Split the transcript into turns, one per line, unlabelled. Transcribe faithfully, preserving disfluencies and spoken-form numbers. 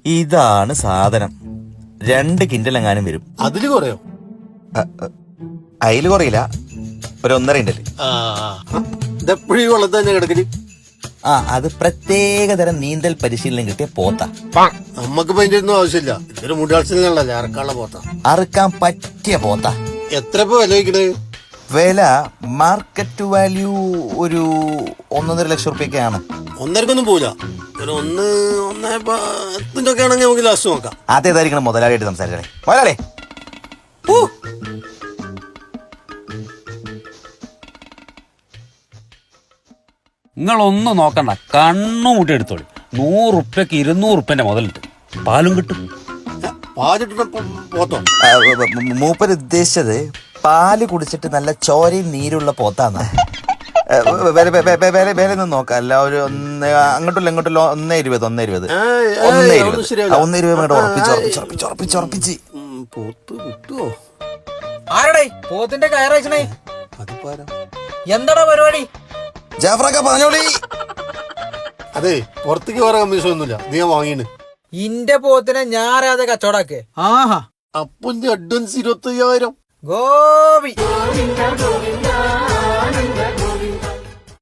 ഇതാണ് സാധനം. രണ്ട് കിൻഡലെങ്ങാനും വരും.
അതില് കുറയോ?
അതില് കുറയില്ല, ഒരു ഒന്നര കിൻഡല്.
ഇതെപ്പോഴും വെള്ളത്തിൽ തന്നെ കിടക്കല്.
ആ, അത് പ്രത്യേക തരം നീന്തൽ പരിശീലനം കിട്ടിയ പോത്ത.
നമ്മക്ക് അതിന്റെ ഒന്നും ആവശ്യമില്ല. ഇതൊരു മുടിയാഴ്ചയിലല്ലേ അറക്കാനുള്ള പോത്ത.
അറുക്കാൻ പറ്റിയ പോത്ത.
എത്ര ഇപ്പൊ വില വയ്ക്കണേ?
വില മാർക്കറ്റ് വാല്യൂ ഒരു ഒന്നൊന്നര ലക്ഷം റുപ്യൊക്കെയാണ്.
ഒന്നരക്കൊന്നും പോല. ഒരു ഒന്ന് ഒന്നേ പത്തിന്റെ ഒക്കെ ആണെങ്കിൽ നമുക്ക് ലാസ്റ്റ് നോക്കാം.
അതേതായിരിക്കണം മുതലാളിയായിട്ട് സംസാരിച്ചേ. മുതലാളി
നിങ്ങളൊന്നും നോക്കണ്ട, കണ്ണു മുട്ടി എടുത്തോളി. നൂറുപ്യക്ക് ഇരുന്നൂറുപ്യന്റെ മുതലുണ്ട്. പാലും കിട്ടും.
പാലിട്ട് പോത്തോ?
മൂപ്പര് ഉദ്ദേശിച്ചത് പാല് കുടിച്ചിട്ട് നല്ല ചോരയും നീരുള്ള പോത്താന്ന്. വില നോക്കാം. അല്ല, ഒരു ഒന്ന് അങ്ങോട്ടുള്ള ഇങ്ങോട്ടുള്ള ഒന്നേ ഇരുപത് ഒന്നേ ഇരുപത് ഒന്നേ ഇരുപത് ഒന്നേ ഇരുപത് അങ്ങോട്ട് ഉറപ്പിച്ചുറപ്പിച്ചുറപ്പിച്ചുറപ്പിച്ച്
പോത്ത് കിട്ടുവോ?
ആരടേ പോത്തിന്റെ കയറച്ചണേ?
അതിപ്പാരാ?
എന്താടാ പരിപാടി?
ജാഫ്രക്ക പറഞ്ഞോളി.
അതെ, പുറത്തേക്ക് വേറെ കമ്മീഷൻ ഒന്നുമില്ല. നീ ഞാൻ വാങ്ങിയാണ്.
ഇന്റെ പോത്തിനെ ഞാനത് കച്ചവടാക്കേ. ആഹാ,
അപ്പന്റെ അഡ്വാൻസ് ഇരുപത്തി അയ്യായിരം.
ഗോപി.